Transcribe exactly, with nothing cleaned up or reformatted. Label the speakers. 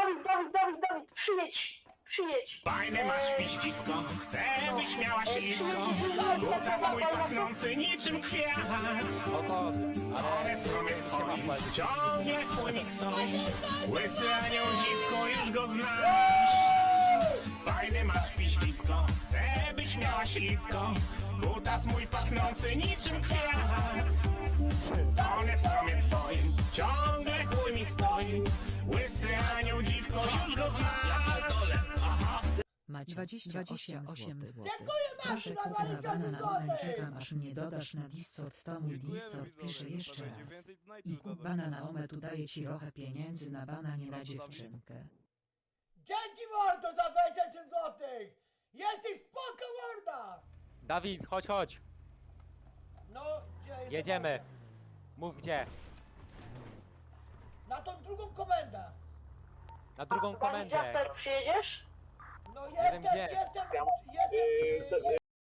Speaker 1: Dawid, Dawid, Dawid, Dawid, przyjedź, przyjedź.
Speaker 2: Fajne masz piścisko, chcę byś miała ślisko. Buta swój pachnący niczym kwiat.
Speaker 3: Oko,
Speaker 2: Ale w sumie twoim ciągle chłonik stoi. Łysy anioł dziwko, już go znasz. Fajne masz piścisko, chcę byś miała ślisko. Buta mój pachnący niczym kwiat. One w sumie twoim ciągle chuj mi stoi. Łysy anioł dziwko, już go znasz.
Speaker 4: Macie dwadzieścia osiem złotych.
Speaker 5: Dziękuję
Speaker 4: Proszę
Speaker 5: Maciu,
Speaker 4: kup na
Speaker 5: dwadzieścia
Speaker 4: bana
Speaker 5: osiem
Speaker 4: na moment,
Speaker 5: złotych.
Speaker 4: czekam aż mnie dodasz na Discord, to mój Discord pisze jeszcze raz. I kup bana na omet, daję ci trochę pieniędzy na bana, nie na dziewczynkę.
Speaker 5: Dzięki mordo za dwadzieścia osiem złotych! Jesteś spoko morda!
Speaker 3: Dawid, chodź, chodź.
Speaker 5: No, gdzie jest
Speaker 3: Jedziemy. Mów gdzie.
Speaker 5: Na tą drugą komendę!
Speaker 3: Na drugą
Speaker 1: Dawid,
Speaker 3: komendę.
Speaker 1: Jasper, przyjedziesz?
Speaker 5: No
Speaker 3: wiem
Speaker 5: jestem,
Speaker 3: gdzie.
Speaker 5: jestem